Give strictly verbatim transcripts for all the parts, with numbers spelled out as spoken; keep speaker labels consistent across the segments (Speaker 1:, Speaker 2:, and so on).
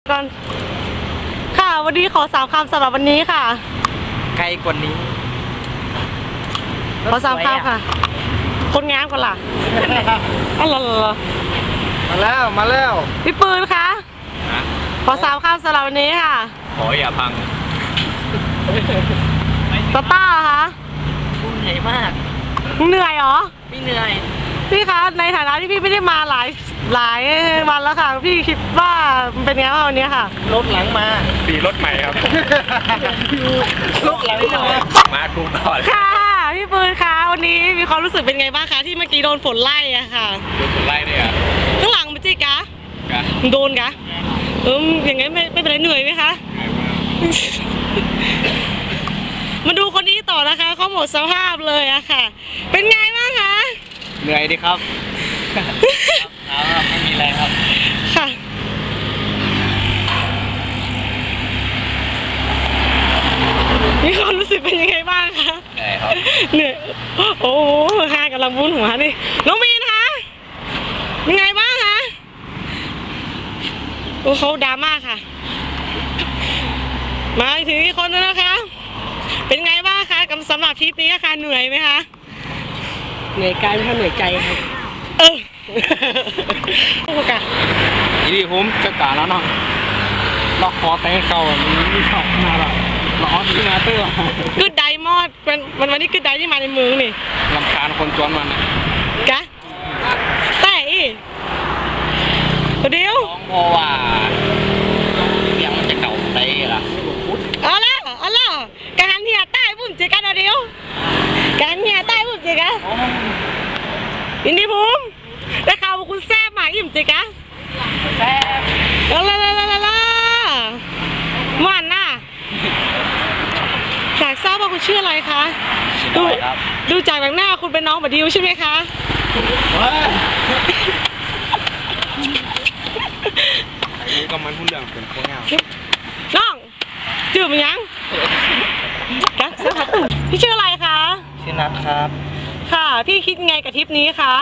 Speaker 1: ก่อนค่ะวันนี้ขอสามคำสำหรับวันนี้ค่ะ
Speaker 2: ไกลกว่านี้
Speaker 1: ขอสามคำค่ะคนงามกว่าล่ะอ๋อเหรอ
Speaker 2: มาแล้วมาแล้ว
Speaker 1: พี่ปืนคะขอสามคำสำหรับวันนี้ค่ะ
Speaker 3: ขออย่าพัง
Speaker 1: ตาต้าคะ
Speaker 2: เหนื่อยมาก
Speaker 1: เหนื่อยเหรอ
Speaker 2: ไม่เหนื่อย
Speaker 1: พี่คะในฐานะที่พี่ไม่ได้มาหลายหลายวันแล้วค่ะพี่คิดว่าเป็นไงบ้างวันนี้ค่ะ
Speaker 2: รถหลังมา
Speaker 3: สีรถใหม่ครับ
Speaker 2: รถหลังมา
Speaker 3: มาทุกก่อน
Speaker 1: ค่ะพี่ปืนคะวันนี้มีความรู้สึกเป็นไงบ้างคะที่เมื่อกี้โดนฝนไล่อะค่ะ
Speaker 3: โดนฝนไล่เนี่ย
Speaker 1: ข้างหลังมันจิกะโดนกะเอออย่างงั้นไม่ไม่เป็นไรเหนื่อยไหมคะมาดูคนนี้ต่อนะคะเขาหมดสภาพเลยอะค่ะเป็นไงบ้างคะ
Speaker 2: เหนื่อยดิครับครับไม่มีแรงครับ
Speaker 1: ค่ะมีความรู้สึกเป็นยังไงบ้างคะ
Speaker 3: เหนื่อยครับ
Speaker 1: เหนื่อยโอ้โหค่ะกำลังวุ้นหัวนี่น้องมีนคะยังไงบ้างคะโอ้เขาดราม่าค่ะมาถึงอีกคนนึงนะคะเป็นไงบ้างคะกับสำหรับทริปนี้ค่ะเหนื่อยไหมคะ
Speaker 2: เหนื่อยกายไม่ใช่เหนื่อยใจครับ
Speaker 1: เออโอ้กะ
Speaker 2: อีดีผมจะกาแล้วเนาะล็อกคอแตงเก่ามันไม่ชอบมาหรอกล็อกที่มาเตอร์
Speaker 1: กึดไดมอดเป็นวันวันนี้กึดไดที่มาในเมืองนี่
Speaker 2: ลำคาญคนจวนมันนะ
Speaker 1: กะแต่อีเดียว
Speaker 2: เพราะว่าเสียงมันจะเก่าได้ล่ะ
Speaker 1: เอาละเอาละการเหี่ยใต้บุ้มเจกันเดียวการเหี่ยใต้บุ้มเจกันอินดี้ภูมิได้ข่าวว่าคุณแซ่บมาอิ่มเจกัน
Speaker 2: แซ่บ
Speaker 1: ลาลาลาลาลามันน่ะอยากทราบว่าคุณชื่ออะไรคะดูดูจากหน้าคุณเป็นน้องบัดดิวใช่ไหมคะ
Speaker 3: นี่ก็มันพูดเรื่องเป็นโคเงา
Speaker 1: น้องจืดมันยังกักสักพักพี่ชื่ออะไรคะ
Speaker 2: ชื่อนัทครับ
Speaker 1: ค่ะพี่คิดไงกับทริปนี้คะ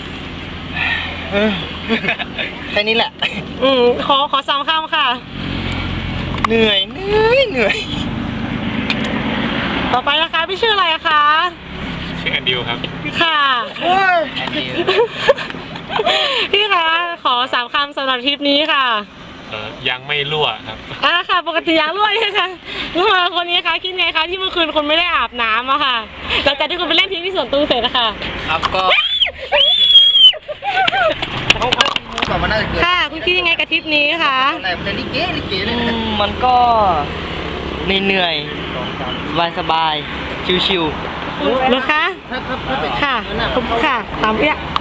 Speaker 2: แค่นี้แหละ
Speaker 1: อืมขอขอสามคำค่ะ
Speaker 2: เหนื่อยเหนื่อยเหนื่อย
Speaker 1: ต่อไปนะคะพี่ชื่ออะไรคะ
Speaker 3: ชื่อแอนดิวครับ
Speaker 1: ค่ะพี่คะขอสามคำสำหรับทริปนี้ค่ะ
Speaker 3: ยังไม่รั่วครับ
Speaker 1: อ่าค่ะปกติยังรั่วใช่ไหมคะรั่วคนนี้คะคิดไงคะที่เมื่อคืนคนไม่ได้อาบน้ำอะค่ะหลังจากที่คุณไปเล่นทีที่สวนตุ้งเสร็จนะคะ
Speaker 2: ครับก็
Speaker 1: ค่ะคุณคิดยังไงกับทริปนี้คะ
Speaker 2: แต่ลิเกลิเกเลยมันก็เหนื่อยสบายสบายชิวๆ
Speaker 1: เหรอคะค่ะค่ะตามเปี้ย